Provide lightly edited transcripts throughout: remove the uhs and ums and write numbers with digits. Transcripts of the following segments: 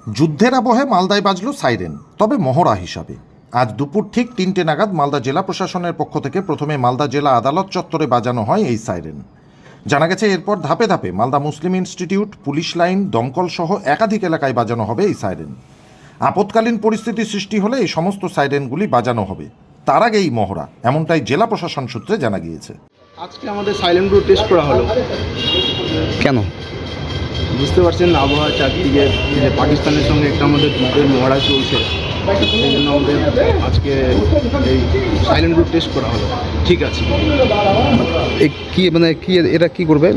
যুদ্ধের আবহে মালদায় বাজল সাইরেন, তবে মহড়া হিসাবে। আজ দুপুর ঠিক ৩টে নাগাদ মালদা জেলা প্রশাসনের পক্ষ থেকে প্রথমে মালদা জেলা আদালত চত্বরে বাজানো হয় এই সাইরেন। জানা গেছে এরপর ধাপে ধাপে Malda Muslim institute, police line, দমকল সহ একাধিক এলাকায় বাজানো হবে এই সাইরেন। আপৎকালীন পরিস্থিতি সৃষ্টি হলে এই সমস্ত সাইরেনগুলি বাজানো হবে, তার আগেই মহড়া, এমনটাই জেলা প্রশাসন সূত্রে জানা গিয়েছে। আজকে আমাদের সাইলেন্ট গ্রুপ টেস্ট করা হলো। কেন? বুঝতে পারছেন, আবহাওয়া চারদিকে যে পাকিস্তানের সঙ্গে একটা আমাদের যুদ্ধের মহড়া চলছে, সেই জন্য আমাদের আজকে এই সাইলেন্ট গ্রুপ টেস্ট করা হলো। ঠিক আছে, এটা কি করবে?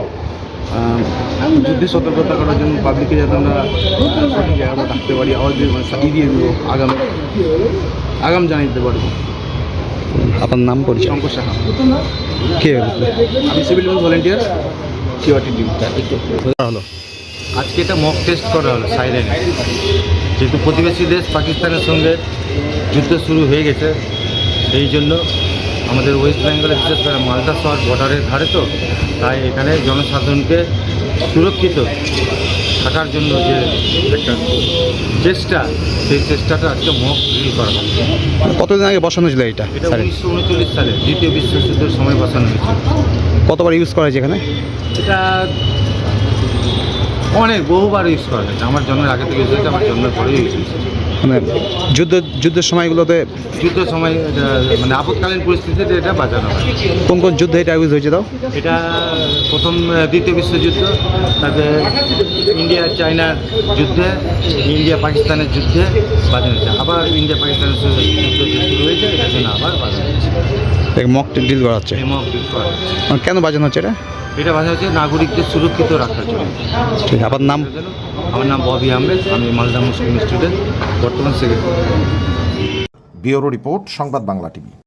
যুদ্ধে সতর্কতা করার জন্য পাবলিককে যাতে আমরা সঠিক জায়গাটা থাকতে পারি, আওয়াজ দিয়ে দিয়ে দেবো, আগাম জানিয়ে দিতে পারবো। আপনার নাম পরিচয়? শঙ্কর সাহা। কে? আমি সিভিল ডিফেন্স ভলেন্টিয়ার, সিওয়াটি টিম। হলো আজকে এটা মক টেস্ট করা হলো সাইরেন। যেহেতু প্রতিবেশী দেশ পাকিস্তানের সঙ্গে যুদ্ধ শুরু হয়ে গেছে, সেই জন্য আমাদের ওয়েস্ট বেঙ্গলে বিশেষ করে মালদা শহর বর্ডারের ধারে, তো তাই এখানে জনসাধারণকে সুরক্ষিত থাকার জন্য যে একটা চেষ্টা, সেই চেষ্টাটা আজকে মক ড্রিল করা হয়। কতদিন আগে বসানো ছিল এটা? এটা 1939 সালে দ্বিতীয় বিশ্বযুদ্ধের সময় বসানো হয়েছিল। কতবার ইউজ করা হয়েছে এখানে? এটা বহুবার ইউজ করা হয়েছে। আমার জন্মের আগে থেকে ইউজ হয়েছে, আমার জন্মের পরেও ইউজ হয়েছে। মানে যুদ্ধের সময়গুলোতে, যুদ্ধের সময় মানে আপৎকালীন পরিস্থিতিতে এটা বাজানো হয়। কোন কোন যুদ্ধে এটা ইউজ হয়েছে? তাও এটা প্রথম দ্বিতীয় বিশ্বযুদ্ধ, তারপরে ইন্ডিয়া চায়নার যুদ্ধে, ইন্ডিয়া পাকিস্তানের যুদ্ধে বাজানো হয়েছে। আবার ইন্ডিয়া পাকিস্তানের যুদ্ধ যে শুরু হয়েছে, এটার জন্য আবার বাজানো হয়েছে। মক ড্রিল করা হচ্ছে। এই মক ড্রিল করা হচ্ছে। কেন বাজানো হচ্ছে এটা? এটা বাজানো হচ্ছে নাগরিকদের সুরক্ষিত রাখার জন্য। ঠিক, আপনার নাম? আমার নাম ববি আহমেদ, আমি মালদা মুসলিম স্টুডেন্ট, বর্তমান secretary. Bureau report, Sangbad Bangla TV.